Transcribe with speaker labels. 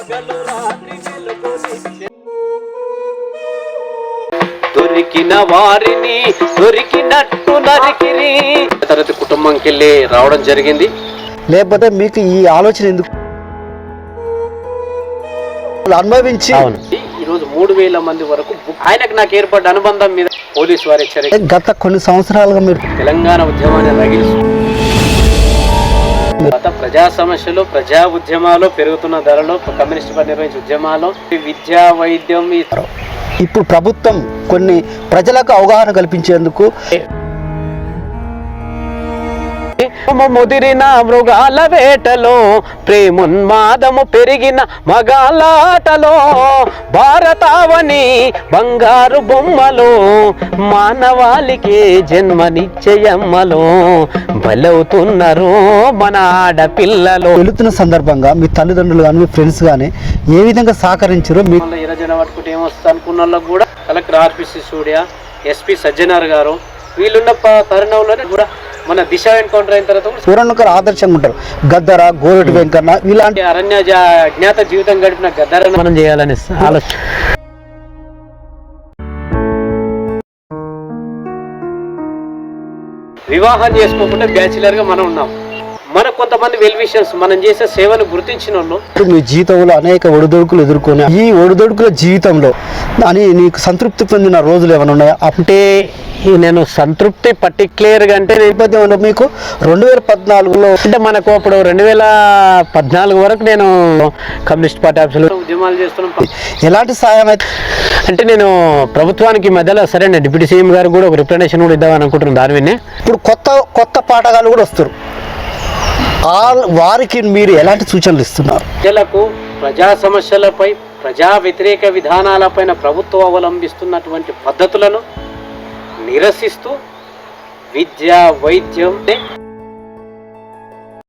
Speaker 1: దొరికిన వారిని దొరికినట్టు నరికిరి తరగతి కుటుంబంకి వెళ్ళి రావడం జరిగింది.
Speaker 2: లేకపోతే మీకు ఈ ఆలోచన ఎందుకు అనుభవించి
Speaker 1: ఈరోజు 3000 మంది వరకు ఆయనకు నాకు ఏర్పడ్డ అనుబంధం మీద పోలీసు వారి హెచ్చరిక.
Speaker 2: గత కొన్ని సంవత్సరాలుగా మీరు
Speaker 1: తెలంగాణ ఉద్యమాన్ని రగిలిస్తూ గత ప్రజా సమస్యలు, ప్రజా ఉద్యమాలు, పెరుగుతున్న ధరలు, కమ్యూనిస్ట్ పార్టీ నిర్వహించే ఉద్యమాలు, విద్యా, వైద్యం.
Speaker 2: ఇప్పుడు ప్రభుత్వం కొన్ని ప్రజలకు అవగాహన కల్పించేందుకు
Speaker 1: ముదిరిన మృగాల వేటలో ప్రేమున్మాదము పెరిగిన మగాలాటలో భారతావని బంగారు బొమ్మలో మానవాళికి జన్మనిశ్చయమ్మలో బలవుతున్నారు మన ఆడపిల్లలు. వెళుతున్న సందర్భంగా మీ తల్లిదండ్రులు కానీ మీ ఫ్రెండ్స్ కానీ ఏ విధంగా సహకరించారు? మీ 20 జన పట్టుకుంటే ఏమొస్తా అనుకున్న వాళ్ళకు కూడా collector RPC Surya, SP Sajjanar garu వీళ్ళున్న తరుణంలోనే కూడా మన దిశ ఎన్కౌంటర్ అయిన తర్వాత
Speaker 2: సూరన్నకర్ ఆదర్శంగా ఉంటారు. గద్దర, గోరటి వెంకన్న ఇలాంటి
Speaker 1: అరణ్య అజ్ఞాత జీవితం గడిపిన గద్దర మనం చేయాలని ఆలోచన. వివాహం చేసుకోకుండా బ్యాచిలర్ గా మనం ఉన్నాం. మన కొంతమంది వెల్ విషర్స్ మనం చేసే సేవను గుర్తించిన వాళ్ళు
Speaker 2: మీ జీవితంలో అనేక ఒడిదొడుకులు ఎదుర్కొని ఈ ఒడిదొడుకుల జీవితంలో అని నీకు సంతృప్తి పొందిన రోజులు ఏమైనా ఉన్నాయా?
Speaker 1: అంటే నేను సంతృప్తి పర్టిక్యులర్గా అంటే
Speaker 2: నేపథ్యంలో మీకు 2014లో
Speaker 1: అంటే మనకు అప్పుడు 2014 వరకు నేను కమ్యూనిస్ట్ పార్టీ ఆఫీసులో ఉద్యమాలు చేస్తున్నాను.
Speaker 2: ఎలాంటి సాయం అయితే
Speaker 1: అంటే నేను ప్రభుత్వానికి మధ్యలో సరే డిప్యూటీ సీఎం గారు కూడా ఒక రిప్రజెంటేషన్ కూడా ఇద్దామని అనుకుంటున్నాను. దాని విన్నే
Speaker 2: ఇప్పుడు కొత్త పాఠగాలు కూడా వస్తారు. వారికి మీరు ఎలాంటి సూచనలు ఇస్తున్నారు?
Speaker 1: ప్రజలకు ప్రజా సమస్యలపై, ప్రజా వ్యతిరేక విధానాలపైన ప్రభుత్వం అవలంబిస్తున్నటువంటి పద్ధతులను నిరసిస్తూ విద్య, వైద్యం